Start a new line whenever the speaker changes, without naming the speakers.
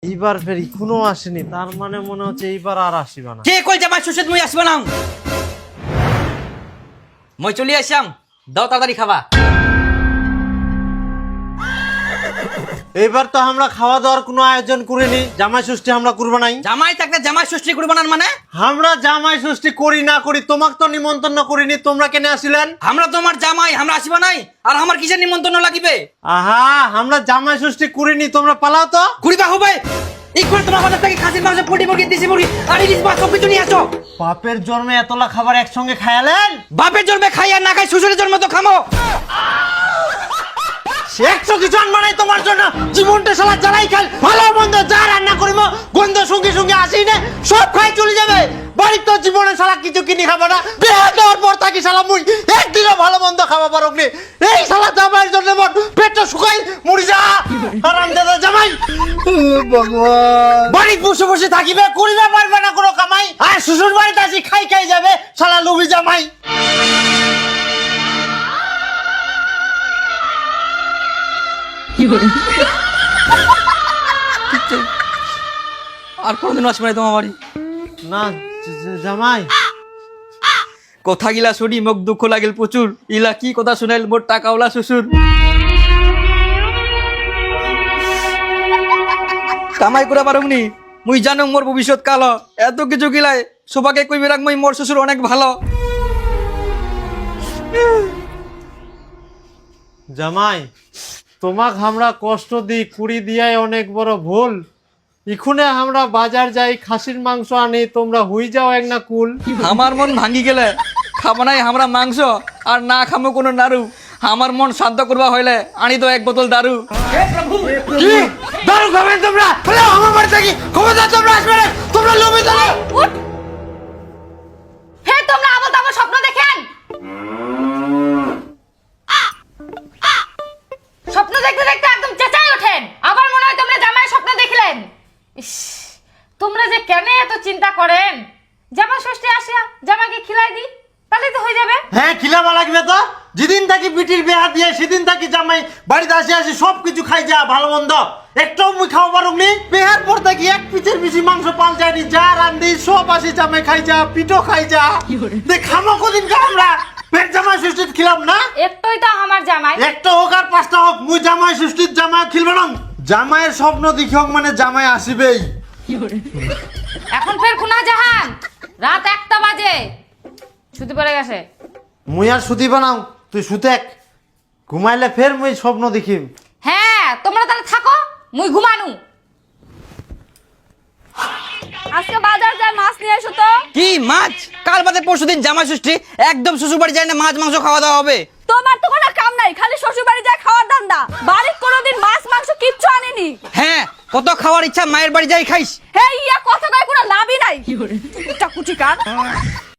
এইবার ফের এখনো আসেনি, তার মানে মনে হচ্ছে এইবার আর আসিবা না।
কে কল জামাই শ্বশুর মুই আসব না, মই চলি আসাম, দাও তাড়াতাড়ি খাবা।
এইবার তো আমরা খাওয়া দাওয়ার কোনো আয়োজন করিনি, জামাই ষষ্ঠী আমরা করবো নাই।
জামাই থাকলে জামাই ষষ্ঠী করবো না মানে?
আমরা জামাই ষষ্ঠী করি না করি তোমাকে তো নিমন্ত্রণ করিনি, তোমরা কেন আসিলেন?
আমরা তোমার জামাই, আমরা আসব নাই, আর আমার কিসের নিমন্ত্রণ লাগিবে?
আহা, আমরা জামাই ষষ্ঠী করিনি, তোমরা পালাও তো।
করিবা হবে এই করে তোমার বাজার থেকে খাসির মাংস, পোল্ট্রি মুরগি, দেশি মুরগি আর ইলিশ মাছ সব কিছু নিয়ে আসো।
বাপের জন্মে এতলা খাবার একসঙ্গে খায়ালেন?
বাপের জন্মে খাই আর না খাই শ্বশুরের জন্মে তো খামো।
একশো কিছু আনবা নাই তোমার জন্য, জীবনটা শালা জ্বালাই খাল, ভালো মন্দ যা রান্না করিব গন্ধ সঙ্গে সঙ্গে আসি না, সব খাই চলে যাবে। বাড়ির তো জীবনে শালা কিছু কিনে খাবো না, বিয়ে দেওয়ার পর থাকি শালা মুই একদিনও ভালো মন্দ খাওয়া পারো নি। এই শালা জামাইয়ের জন্য মোর পেটটা শুকাই মরি যা। আরাম দাদা জামাই ভগবান, বাড়ি বসে বসে থাকিবে, করিবে পারবে না কোনো কামাই, আর শ্বশুর বাড়িতে আসি খাই খাই যাবে শালা লুবি জামাই।
আর কোনদিন আসবে না তোমার বাড়ি
না জামাই।
কথা গিলা শুনি মোক দুঃখ লাগিল প্রচুর, ইলা কি কথা শুনাইল মোর টাকাওয়ালা শ্বশুর। কামাই করা পারুমনি, মুই জানো মোর ভবিষ্যৎ কালো, এত কিছু গিলাই সবাকে কইবে রাখ মই মোর শ্বশুর অনেক ভালো।
জামাই, তোমাক আমরা কষ্ট দিই, কুড়ি দিয়াই অনেক বড় ভুল। ইখুনে আমরা বাজার যাই, খাসির মাংস আনি, তোমরা হুই যাও এক না কুল।
আমার মন ভাঙ্গি গেলে খাবো নাই আমরা মাংস, আর না খামো কোনো নাড়ু। আমার মন শান্ত করবা হইলে আনি তো এক বোতল দারু।
কি দারু খাবেন তোমরা? বলে আমার বাড়ি থাকি খবরদার তোমরা আসবে না, তোমরা লোভে চলো।
হে তোমরা আবল তাবল স্বপ্ন দেখেন, স্বপ্ন দেখতে দেখতে একদম চেঁচাই ওঠেন, আবার মনে হয় তোমরা জামাই স্বপ্ন দেখলেন। ইস, তোমরা যে কেন এত চিন্তা করেন? জামাই ষষ্ঠী আসিয়া জামাইকে খিলাই দি, তাহলে তো হয়ে যাবে।
হ্যাঁ, খিলাবা লাগবে তো। যেদিন থাকি বিটির বিয়া দিয়ে সেদিন থাকি জামাই বাড়িতে আসি আসি সব কিছু খাই যা, ভালো মন্দ একটাও মুই খাওয়া পারুনি। বিহার পর থাকি এক পিঠের বেশি মাংস পাল যায়নি, যা রান্ধি সব আসি জামাই খাই যা, পিঠো খাই যা। দেখ খামো কদিন আমরা পেট জামাই ষষ্ঠীত খিলাম না।
একটাই তো আমার জামাই,
একটা হোক আর পাঁচটা হোক, মুই জামাই ষষ্ঠীর জামাই খিলবে না। জামাইয়ের স্বপ্ন দেখি হোক মানে জামাই আসিবেই।
এখন ফের কুনা জাহান, রাত 1টা বাজে, ছুটি পড়ে গেছে।
মুই আর সুতি বানাও, তুই সুতেক, ঘুমাইলে ফের মুই স্বপ্ন দেখিম।
হ্যাঁ তোমরা তাহলে থাকো, মুই ঘুমানু। আজকে বাজার যায় মাছ নিয়ে এসো তো।
কি মাছ? কাল বাদে পরশুদিন জামাই ষষ্ঠী, একদম শ্বশুর বাড়ি যায় না মাছ মাংস খাওয়া দাওয়া হবে।
তোমার তো কোনো কাম নাই, খালি শ্বশুর বাড়ি যায় খাওয়ার ধান্দা, বাড়ির কোনোদিন মাছ মাংস কিচ্ছু আনিনি।
হ্যাঁ, কত খাওয়ার ইচ্ছা মায়ের বাড়ি যাই খাইস।
হে ইয়া কথা কয় কোনো লাভই নাই, কুটা কুটি কান।